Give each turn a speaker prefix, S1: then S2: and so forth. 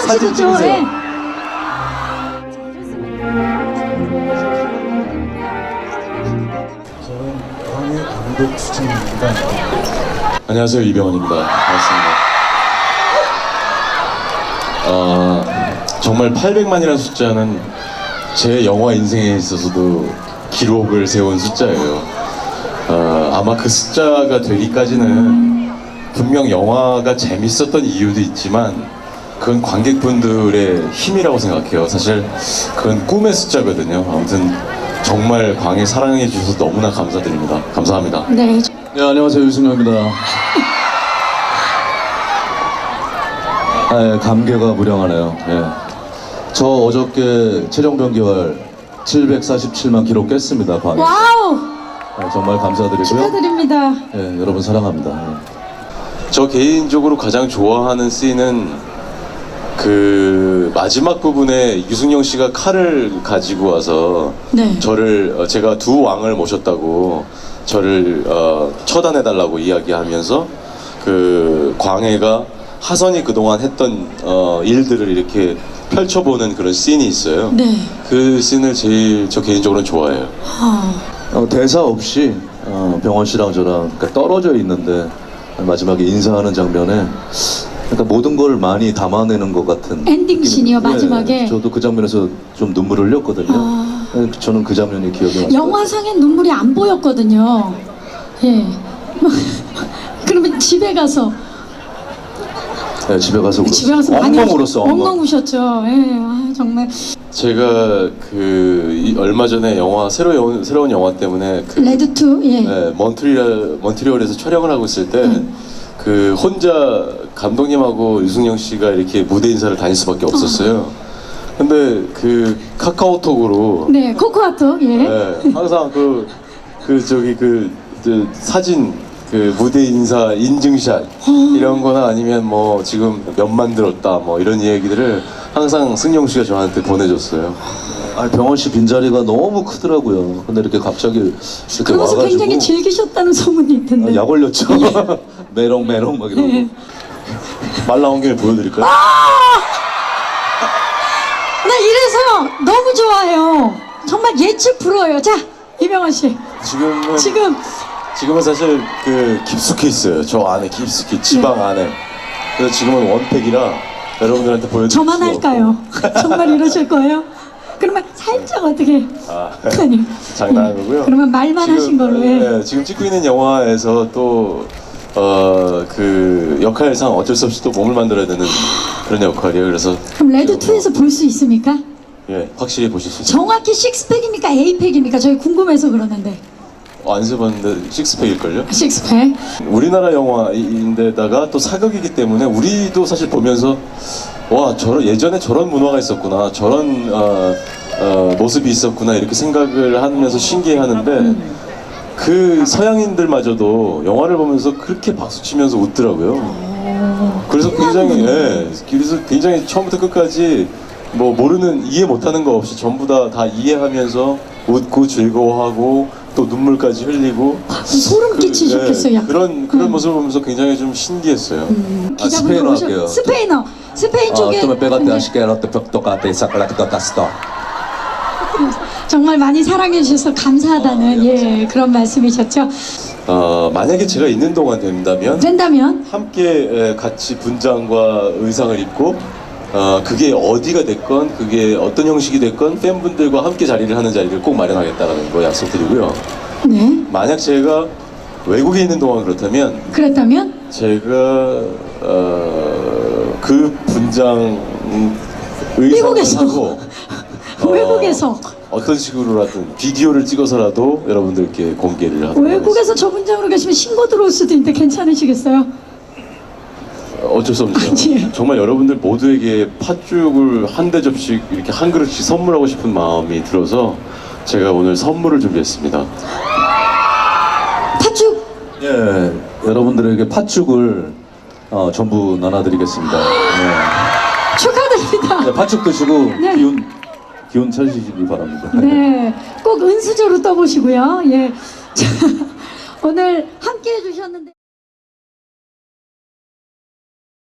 S1: 사진 찍으세요.
S2: 예.
S1: 저는 광해 감독 수진입니다.
S3: 안녕하세요, 이병헌입니다. 반갑습니다. 정말 800만이라는 숫자는 제 영화 인생에 있어서도 기록을 세운 숫자예요. 아마 그 숫자가 되기까지는 분명 영화가 재밌었던 이유도 있지만 그건 관객분들의 힘이라고 생각해요. 사실 그건 꿈의 숫자거든요. 아무튼 정말 광해 사랑해 주셔서 너무나 감사드립니다. 감사합니다.
S2: 네.
S1: 네, 안녕하세요, 유승엽입니다. 아, 감개가 무량하네요. 예. 저 어저께 체력 변기활 747만 기록 깼습니다. 광해.
S2: 와우!
S1: 정말 감사드리고요.
S2: 축하드립니다.
S1: 예, 여러분 사랑합니다. 예.
S3: 저 개인적으로 가장 좋아하는 씬은 그 마지막 부분에 유승용 씨가 칼을 가지고 와서
S2: 네.
S3: 저를 제가 두 왕을 모셨다고 저를 처단해달라고 이야기하면서 그 광해가 하선이 그동안 했던 일들을 이렇게 펼쳐보는 그런 씬이 있어요.
S2: 네.
S3: 그 씬을 제일 저 개인적으로는 좋아해요.
S1: 대사 없이 병원 씨랑 저랑 그러니까 떨어져 있는데 마지막에 인사하는 장면에 그러니까 모든 걸 많이 담아내는 것 같은
S2: 엔딩 씬이요, 마지막에.
S1: 예, 저도 그 장면에서 좀 눈물을 흘렸거든요. 예, 저는 그 장면이 기억이 나요.
S2: 영화상엔 눈물이 안 보였거든요. 예. 그러면 집에 가서
S1: 네, 집에 가서
S2: 많이
S1: 엉엉 울었어.
S2: 엉엉 우셨죠. 예. 아, 정말
S3: 제가 얼마 전에 새로운 영화 때문에
S2: 레드 2. 예.
S3: 네, 몬트리올에서 촬영을 하고 있을 때 그 혼자 감독님하고 유승용 씨가 이렇게 무대 인사를 다닐 수밖에 없었어요. 근데 그 카카오톡으로
S2: 네, 코코아토. 예.
S3: 네, 항상 사진 무대 인사 인증샷 이런 거나 아니면 뭐 지금 몇 만들었다 뭐 이런 얘기들을 항상 승용 씨가 저한테 보내줬어요.
S1: 병원 씨 빈자리가 너무 크더라고요. 근데 이렇게 갑자기 이렇게
S2: 그러면서
S1: 와가지고
S2: 굉장히 즐기셨다는 소문이 있던데.
S1: 약 올렸죠. 메롱메롱 막 이러고.
S3: 말 나온 김에 보여드릴까요?
S2: 나 이래서 너무 좋아요. 정말 예측 불허예요. 자, 이병헌 씨.
S3: 지금은 사실 깊숙이 있어요. 저 안에 깊숙이 지방 안에. 그래서 지금은 원팩이라 여러분들한테 보여드릴
S2: 저만
S3: 수가
S2: 할까요? 정말 이러실 거예요? 그러면 살짝 어떻게? 아니.
S3: 장난한 거고요.
S2: 그러면 말만 하신 걸로 해.
S3: 네, 지금 찍고 있는 영화에서 또 역할상 어쩔 수 없이 또 몸을 만들어야 되는 그런 역할이에요. 그래서
S2: 그럼 레드 2에서 볼 수 있습니까?
S3: 예, 확실히 보실 수 있어요.
S2: 정확히 식스팩입니까? 에이팩입니까? 저희 궁금해서 그러는데.
S3: 안 써봤는데 식스팩일걸요?
S2: 식스팩.
S3: 우리나라 영화인데다가 또 사극이기 때문에 우리도 사실 보면서 와 예전에 저런 문화가 있었구나, 저런 모습이 있었구나 이렇게 생각을 하면서 신기해하는데 그 서양인들마저도 영화를 보면서 그렇게 박수치면서 웃더라고요. 그래서 굉장히 처음부터 끝까지 뭐 이해 못하는 거 없이 전부 다 이해하면서 웃고 즐거워하고 또 눈물까지 흘리고
S2: 소름 끼치셨겠어요. 약간.
S3: 그런 모습을 보면서 굉장히 좀 신기했어요.
S2: 기자분들
S1: 스페인어 할게요.
S2: 스페인 쪽에 정말 많이 사랑해 주셔서 감사하다는 그런 말씀이셨죠.
S3: 만약에 제가 있는 동안 된다면 함께 같이 분장과 의상을 입고 그게 어디가 됐건 그게 어떤 형식이 됐건 팬분들과 함께 자리를 하는 자리를 꼭 마련하겠다라는 거 약속드리고요.
S2: 네.
S3: 만약 제가 외국에 있는 동안
S2: 그랬다면
S3: 제가 그 분장 의상을
S2: 미국에서.
S3: 하고
S2: 외국에서
S3: 어떤 식으로라든 비디오를 찍어서라도 여러분들께 공개를 하도록
S2: 외국에서 저 분장으로 계시면 신고 들어올 수도 있는데 괜찮으시겠어요?
S3: 어쩔 수 없죠.
S2: 아니에요.
S3: 정말 여러분들 모두에게 팥죽을 한 대접씩 이렇게 한 그릇씩 선물하고 싶은 마음이 들어서 제가 오늘 선물을 준비했습니다.
S2: 팥죽.
S1: 예, 여러분들에게 팥죽을 전부 나눠드리겠습니다.
S2: 축하드립니다.
S1: 네, 팥죽 드시고
S2: 네.
S1: 기운 차리시기 바랍니다.
S2: 네, 꼭 은수저로 떠보시고요. 예. 자, 오늘 함께 해주셨는데.